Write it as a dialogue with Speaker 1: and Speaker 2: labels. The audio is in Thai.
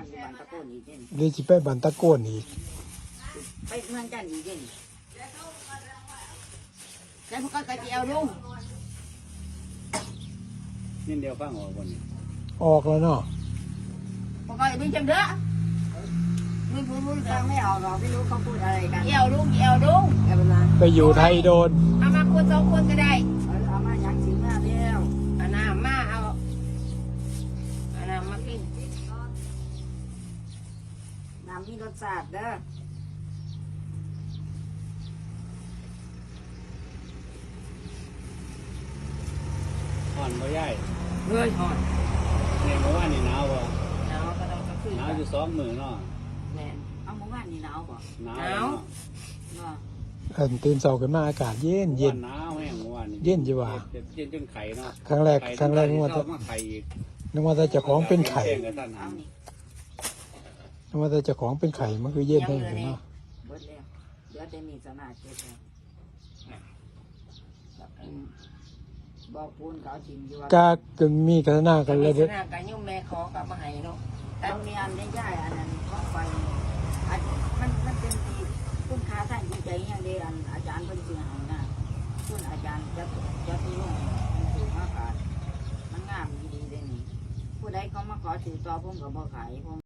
Speaker 1: อยู่บ้านตะโกนอีกเด่น
Speaker 2: เดี๋ยวสิไปบันตะโกนอีก
Speaker 1: ไปเมืองจันทร์อีกเด่นแล้วพวกก็กระเจียวลุง
Speaker 3: นี่เดียวฟังออกวันนี้
Speaker 2: ออกแล้วเนาะ
Speaker 1: พวกก็ไม่จำเด้อไม่พูดฟังไม่ออกหรอกไม่รู้เขาพูดอะไรกันเจียวลุงเจียวลุงเอาไปมา
Speaker 2: ไปอยู่ไทยโดน
Speaker 1: เอามาคนสองคนก็ได้เอามาอยากสิงมาเดียวเอาน้ำมาเอาน้ำมากินน้ำมีรสชาติเด้อ
Speaker 3: ห่อนบ่ย่าย
Speaker 1: เฮ้ยหอน
Speaker 3: เนี่ยเมื่อวานนี่หนาวบ่
Speaker 1: หนาวก็ต้องขึ้น
Speaker 3: หนาวอยู่2 มื้อเนาะ
Speaker 1: แม่เอาเมื่อวานนี่หนาวป่ะ
Speaker 3: หนาว
Speaker 1: หนาว
Speaker 3: เนาะ
Speaker 1: ว่า
Speaker 2: ตื่นเช้าขึ้นมาอากาศเย็นเย็น
Speaker 3: หนาวแห้งเมื่อวานนี่
Speaker 2: เย็นจิว่า
Speaker 3: เย็นจนไข่เนาะ
Speaker 2: ครั้งแรกนึกว่า
Speaker 3: จะมาไข่อีก
Speaker 2: แต่เจ้าของเป็นไข่
Speaker 3: แจ้งกับท่านหา
Speaker 1: เอานี่
Speaker 2: นึกว่าแต่เจ้าของเป็นไข่มันคือเย็นแห้งเนาะ
Speaker 1: เบิดแล้วเดี๋ยวจะมีสนาเจ็บแล้วบอกปูนเขาทิมอยู่ว่าก
Speaker 2: ก็มีกัฒนากันเลย
Speaker 1: ส
Speaker 2: เด้อ
Speaker 1: นาการยุ่งแม่ขอกลับมาให้เนาะแต่มีอันได้ย่ายอันนั้นเพราะไฟอันมันเป็นที่คุณค่าท่านจริงใจอย่างเดียวอันอาจารย์เพิ่นสิให้นะคุณอาจารย์จะที่นู่นมันถือมาขายมันงามดีๆเลยนี่ผู้ใดเขามาขอถือต่อผมก็บ่ขายผม